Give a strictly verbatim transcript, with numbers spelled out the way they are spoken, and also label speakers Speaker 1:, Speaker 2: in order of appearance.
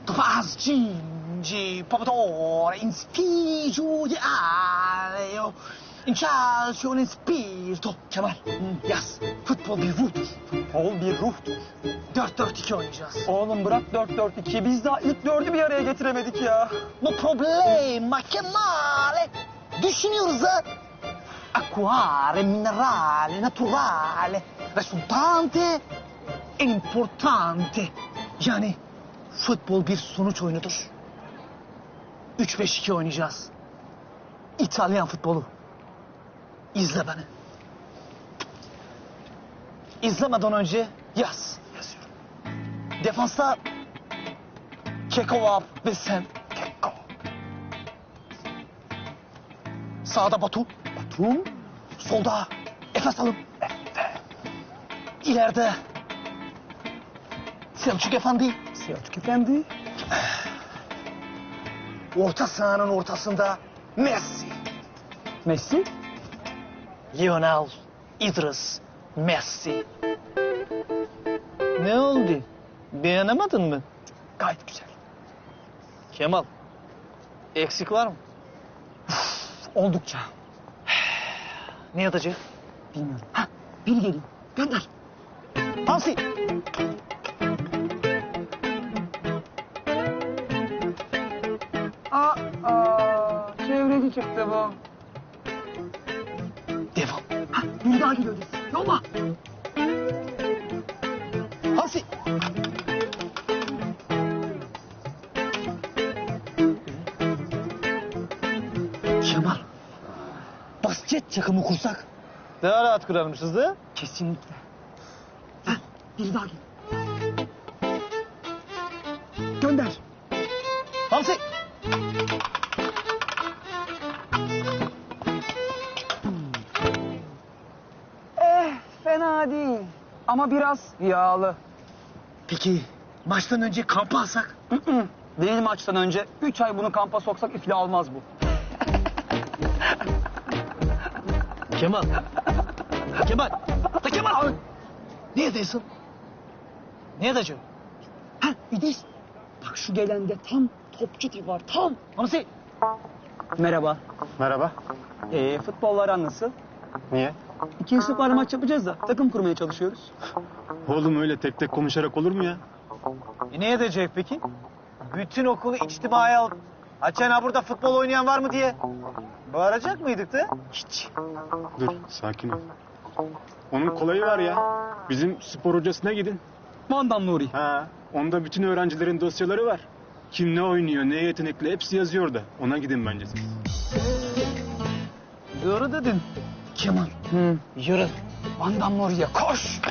Speaker 1: Pascinci, Popatore, in spirito di aleo, in calcio, in spirito. Kemal, yaz. Futbol bir ruhtur.
Speaker 2: Futbol bir ruhtur.
Speaker 1: Dört dört iki oynayacağız.
Speaker 2: Oğlum bırak dört dört ikiyi. Biz daha ilk dördü bir araya getiremedik ya.
Speaker 1: No problema, Kemal. Düşünüyoruz ha. Acquare, minerale, naturale, resultante, importante. Yani futbol bir sonuç oyunudur. Üç beş iki oynayacağız. İtalyan futbolu. İzle beni. İzlemeden önce yaz. Yazıyorum. Defansta Keko var ve sen. Keko. Sağda Batu. Batum. Solda Efes Alın. Efe. İleride Selçuk Efendi.
Speaker 2: Selçuk Efendi.
Speaker 1: Orta sahanın ortasında Messi.
Speaker 2: Messi.
Speaker 1: Lionel İdris Messi. Ne oldu? Beğenemedin mi?
Speaker 2: Gayet güzel.
Speaker 1: Kemal, eksik var mı?
Speaker 2: Oldukça.
Speaker 1: Ne yatacak?
Speaker 2: Bilmiyorum.
Speaker 1: Ha, biri geliyor. Gönder. Hamsi.
Speaker 2: Aa, aa, çevreci çıktı bu.
Speaker 1: Devam. Ha, biri daha geliyor. Yolla. Hamsi. Kemal. Basket takımı kursak. Daha rahat kurarmışız da.
Speaker 2: Kesinlikle.
Speaker 1: Ha, biri daha geliyor. Gönder. Hamsi.
Speaker 2: Eh, fena değil. Ama biraz yağlı.
Speaker 1: Peki maçtan önce kampa alsak?
Speaker 2: Değil maçtan önce. Üç ay bunu kampa soksak iflah olmaz bu.
Speaker 1: Kemal. Kemal. La Kemal. Neredesin? Neredesin? Ha, İdris.
Speaker 2: Bak şu gelende tam topçu tipi var, tam.
Speaker 1: Hamsi.
Speaker 2: Merhaba.
Speaker 3: Merhaba.
Speaker 2: Ee, futbollar nasıl?
Speaker 3: Niye?
Speaker 2: İkinci sınıflarla maç yapacağız da takım kurmaya çalışıyoruz.
Speaker 3: Oğlum öyle tek tek konuşarak olur mu ya?
Speaker 1: E ne edecek peki? Bütün okulu içtimaya alıp Açen ha burada futbol oynayan var mı diye bağıracak mıydık da?
Speaker 2: Hiç.
Speaker 3: Dur sakin ol. Onun kolayı var ya. Bizim spor hocasına gidin.
Speaker 2: Vandan Nuri.
Speaker 3: Ha, onda bütün öğrencilerin dosyaları var. Kim ne oynuyor, ne yetenekli hepsi yazıyor da. Ona gidin bence siz.
Speaker 1: Doğru dedin. Kemal.
Speaker 2: Hı.
Speaker 1: Yürü.
Speaker 2: Vandan Nuri'ye koş.